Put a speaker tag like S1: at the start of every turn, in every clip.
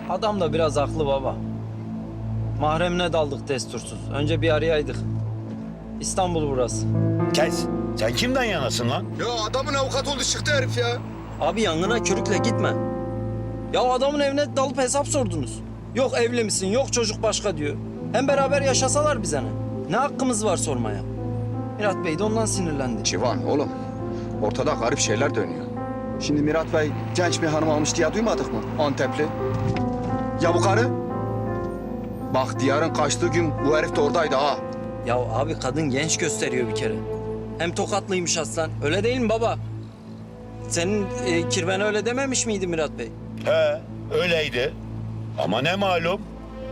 S1: Adam da biraz haklı baba. Mahremine daldık destursuz. Önce bir arayaydık. İstanbul burası.
S2: Kes. Sen kimden yanasın lan?
S3: Ya adamın avukat oldu çıktı herif ya.
S1: Abi yangına körükle gitme. Ya adamın evine dalıp hesap sordunuz. Yok evli misin, yok çocuk başka diyor. Hem beraber yaşasalar bize ne? Ne hakkımız var sormaya? Mirat Bey de ondan sinirlendi.
S3: Civan oğlum, ortada garip şeyler dönüyor. Şimdi Mirat Bey genç bir hanım almış diye duymadık mı? Antepli. Ya bu karı? Bak Diyar'ın kaçtığı gün bu herif de oradaydı ha.
S1: Ya abi kadın genç gösteriyor bir kere. Hem tokatlıymış aslan. Öyle değil mi baba? Senin kirvene öyle dememiş miydi Mirat Bey?
S2: He, öyleydi. Ama ne malum?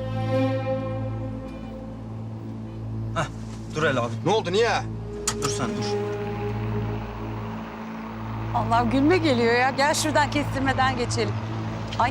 S1: Hah, dur hele abi.
S3: Ne oldu niye?
S1: Dur sen dur.
S4: Allah gülme geliyor ya. Gel şuradan kestirmeden geçelim. Ay.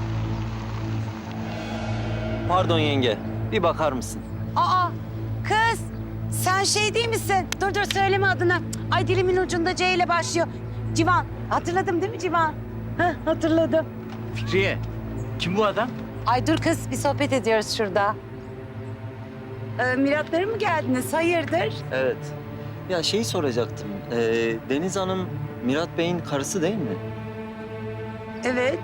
S1: Pardon yenge. Bir bakar mısın?
S4: Aa kız. Sen şey değil misin? Dur dur söyleme adını. Ay dilimin ucunda C ile başlıyor. Civan. Hatırladım değil mi Civan? Heh, hatırladım.
S5: Fikriye, kim bu adam?
S4: Ay dur kız bir sohbet ediyoruz şurada. Miratlara mı geldiniz? Hayırdır?
S1: Evet. Ya şeyi soracaktım. Deniz Hanım Mirat Bey'in karısı değil mi?
S4: Evet.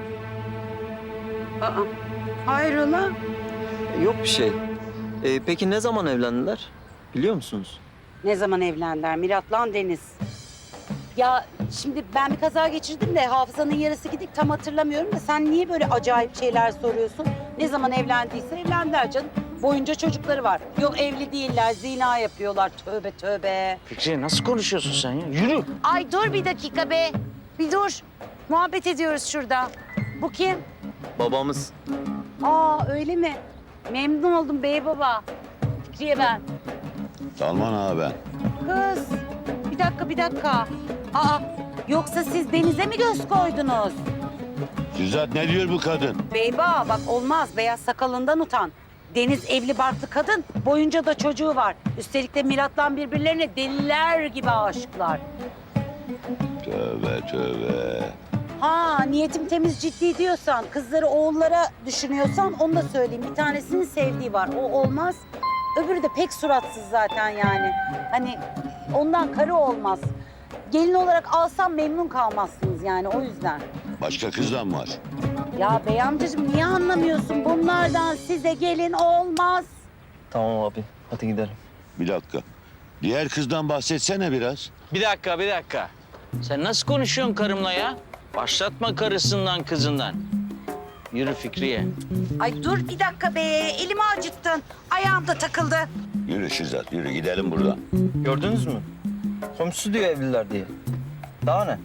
S4: Aa, hayrola?
S1: Yok bir şey. Peki ne zaman evlendiler? Biliyor musunuz?
S4: Ne zaman evlendiler Mirat'la Deniz? Ya şimdi ben bir kaza geçirdim de hafızanın yarısı gidik tam hatırlamıyorum da sen niye böyle acayip şeyler soruyorsun? Ne zaman evlendiyse evlendiler canım. Boyunca çocukları var. Yok evli değiller, zina yapıyorlar. Tövbe tövbe.
S5: Fikriye nasıl konuşuyorsun sen ya? Yürü.
S4: Ay dur bir dakika be. Bir dur. Muhabbet ediyoruz şurada. Bu kim?
S1: Babamız.
S4: Aa öyle mi? Memnun oldum bey baba. Fikriye ben.
S2: Salman ağa ben.
S4: Kız, bir dakika. Aa, yoksa siz Deniz'e mi göz koydunuz?
S2: Süzat ne diyor bu kadın?
S4: Beyba bak olmaz, beyaz sakalından utan. Deniz evli barklı kadın, boyunca da çocuğu var. Üstelik de Mirat'la birbirlerine deliler gibi aşıklar.
S2: Tövbe tövbe.
S4: Ha, niyetim temiz ciddi diyorsan, kızları oğullara düşünüyorsan onu da söyleyeyim. Bir tanesinin sevdiği var, o olmaz. Öbürü de pek suratsız zaten yani. Hani ondan karı olmaz. Gelin olarak alsam memnun kalmazsınız yani o yüzden.
S2: Başka kızdan var.
S4: Ya bey amcacığım niye anlamıyorsun? Bunlardan size gelin olmaz.
S1: Tamam abi. Hadi gidelim.
S2: Bir dakika. Diğer kızdan bahsetsene biraz.
S5: Bir dakika. Sen nasıl konuşuyorsun karımla ya? Başlatma karısından kızından. Yürü Fikriye.
S4: Ay dur bir dakika be. Elimi acıttın. Ayağım da takıldı.
S2: Yürü Süzat, yürü gidelim buradan.
S1: Gördünüz mü? Komşusu diyor evliler diye. Daha ne?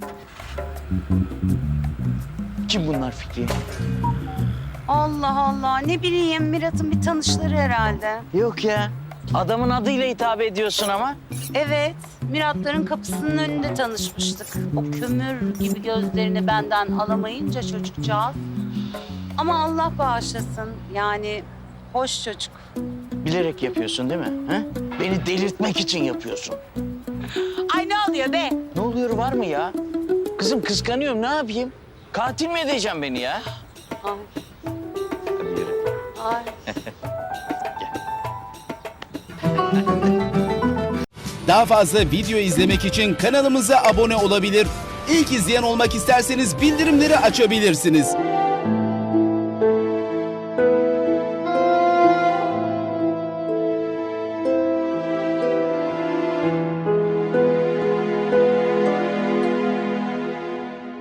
S5: Kim bunlar Fikriye?
S4: Allah Allah. Ne bileyim Mirat'ın bir tanışları herhalde.
S5: Yok ya. Adamın adıyla hitap ediyorsun ama.
S4: Evet. Miratların kapısının önünde tanışmıştık. O kömür gibi gözlerini benden alamayınca çocukcağız. Ama Allah bağışlasın. Yani hoş çocuk.
S5: Bilerek yapıyorsun değil mi? Ha? Beni delirtmek için yapıyorsun.
S4: Ay ne oluyor be?
S5: Ne oluyor var mı ya? Kızım kıskanıyorum ne yapayım? Katil mi edeceğim beni ya?
S4: Ay.
S5: Hadi yürü.
S4: Ay.
S6: Daha fazla video izlemek için kanalımıza abone olabilir. İlk izleyen olmak isterseniz bildirimleri açabilirsiniz.